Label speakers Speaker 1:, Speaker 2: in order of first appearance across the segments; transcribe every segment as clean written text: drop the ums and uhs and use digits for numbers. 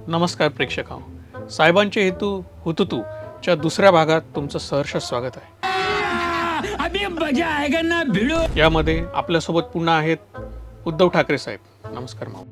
Speaker 1: नमस्कार प्रेक्षकांनो, साहेबांचे हेतू हुतुतू च्या दुसऱ्या भागात तुमचं सहर्ष स्वागत आहे।
Speaker 2: अभी मजा आएगा ना भिड़ो।
Speaker 1: यामध्ये आपल्यासोबत पुन्हा आहेत उद्धव ठाकरे साहेब। नमस्कार माऊ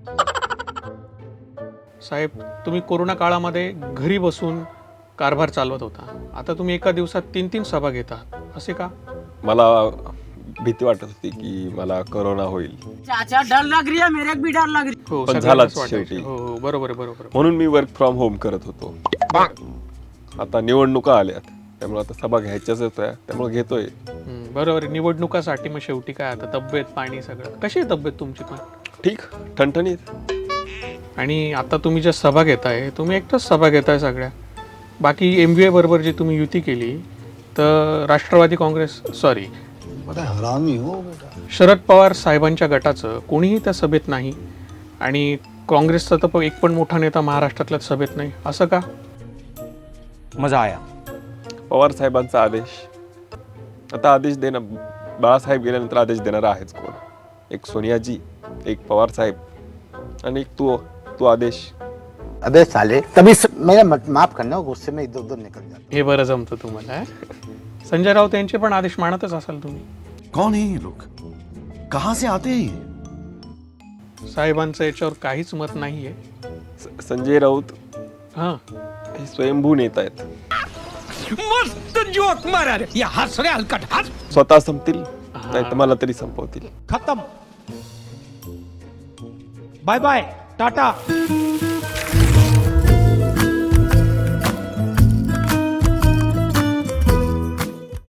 Speaker 1: साहेब, तुम्ही कोरोना काळामध्ये घरी बसून कारभार चालवत होता, आता तुम्ही एका दिवसात 3-3 सभा घेता, असे का?
Speaker 3: मला भीती वाटत होती की मला कोरोना होईल,
Speaker 4: चाचा डर लग रही है, मेरे को भी डर लग रही
Speaker 1: हो,
Speaker 3: पण
Speaker 1: सगळ्यांनाच
Speaker 3: झालाच
Speaker 1: वाटायचं।
Speaker 3: शेवटी।
Speaker 1: हो हो, बरोबर आहे, बरोबर आहे।
Speaker 3: म्हणून मी वर्क फ्रॉम होम करत होतो। आता निवडणुका आल्यात, त्यामुळे आता सभा घ्यायच्याच होत्या, त्यामुळे घेतोय।
Speaker 1: बरोबर आहे, निवडणुकासाठी मग शेवटी काय आता तब्येत पाणी सगळं। कशी आहे तब्येत तुमची पण?
Speaker 3: ठीक, ठणठणीत।
Speaker 1: आणि आता तुम्ही ज्या सभा घेताय, तुम्ही एकटाच सभा घेताय सगळ्या, बाकी MVA बरोबर जी तुम्ही युती केली तर राष्ट्रवादी काँग्रेस सॉरी
Speaker 5: हरामी हो बेटा।
Speaker 1: शरद पवार साहेबांच्या गटाचं कोणीही त्या सभेत नाही आणि काँग्रेसचा तर एक पण मोठा नेता महाराष्ट्रातल्या सभेत नाही, असं का?
Speaker 2: मजा आया।
Speaker 3: पवार साहेबांचा आदेश, आता आदेश देणं, बाळासाहेब गेल्यानंतर आदेश देणार आहेच कोण? एक सोनियाजी, एक पवार साहेब आणि एक तू आदेश।
Speaker 5: अबे साले तभी मेरा माफ करना, गुस्से में इधर उधर निकल जाता।
Speaker 1: हे बरं जमतं तुम्हाला हे? संजय राऊत यांचे पण आदेश मानतच असाल तुम्ही।
Speaker 6: कौन है ये लोग, कहां से आते हैं ये?
Speaker 1: साहेबांचं याच्यावर काहीच मत नाहीये।
Speaker 3: संजय राऊत
Speaker 1: हां,
Speaker 3: हे स्वयंभू नेता आहेत,
Speaker 2: मस्त जोक मारा रे, ये हंस रे हलकट हंस।
Speaker 3: स्वतः संपतील नाही तर मला तरी संपवतील।
Speaker 2: खत्म, बाय बाय टाटा।